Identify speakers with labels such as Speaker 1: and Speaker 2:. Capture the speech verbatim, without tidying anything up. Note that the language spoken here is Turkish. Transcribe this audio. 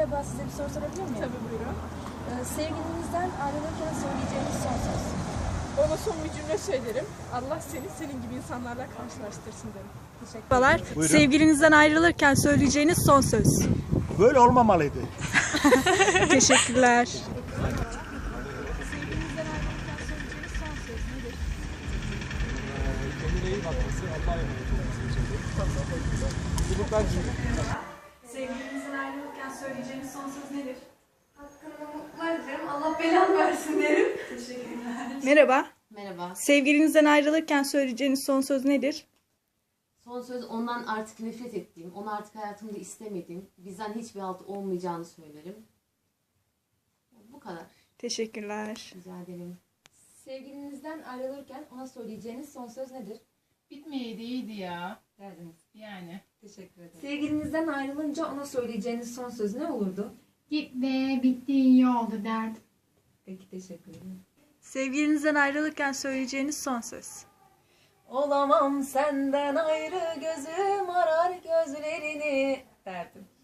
Speaker 1: Merhaba, size bir soru sorabilir miyim?
Speaker 2: Tabii buyurun.
Speaker 1: Ee, sevgilinizden ayrılırken söyleyeceğiniz son söz.
Speaker 2: Ona son bir cümle söylerim. Allah seni senin gibi insanlarla karşılaştırsın derim. Teşekkür ederim.
Speaker 3: Merhabalar.
Speaker 4: Buyurun.
Speaker 3: Sevgilinizden ayrılırken söyleyeceğiniz son söz.
Speaker 4: Böyle olmamalıydı.
Speaker 3: Teşekkürler.
Speaker 1: Sevgilinizden ayrılırken söyleyeceğiniz son söz nedir?
Speaker 5: Kendine iyi bakması, Allah'a emanet olması için de. Mutluluklar diliyorum.
Speaker 3: Sevgilinizden ayrılırken söyleyeceğiniz son söz nedir?
Speaker 6: Hakkında mutlular dilerim. Allah belanı versin derim.
Speaker 3: Merhaba.
Speaker 7: Merhaba.
Speaker 3: Sevgilinizden ayrılırken söyleyeceğiniz son söz nedir?
Speaker 7: Son söz ondan artık nefret ettiğim, onu artık hayatımda istemediğim, bizden hiçbir halt olmayacağını söylerim. Bu kadar.
Speaker 3: Teşekkürler.
Speaker 7: Rica ederim.
Speaker 1: Sevgilinizden ayrılırken ona söyleyeceğiniz son söz nedir?
Speaker 8: Bitmeyeydi iyiydi ya.
Speaker 1: Derdiniz.
Speaker 8: Yani.
Speaker 1: Teşekkür ederim. Sevgilinizden ayrılınca ona söyleyeceğiniz son söz ne olurdu?
Speaker 8: Git be bitti iyi oldu derdim.
Speaker 1: Peki, teşekkür ederim.
Speaker 3: Sevgilinizden ayrılırken söyleyeceğiniz son söz.
Speaker 1: Olamam senden ayrı, gözüm arar gözlerini derdim.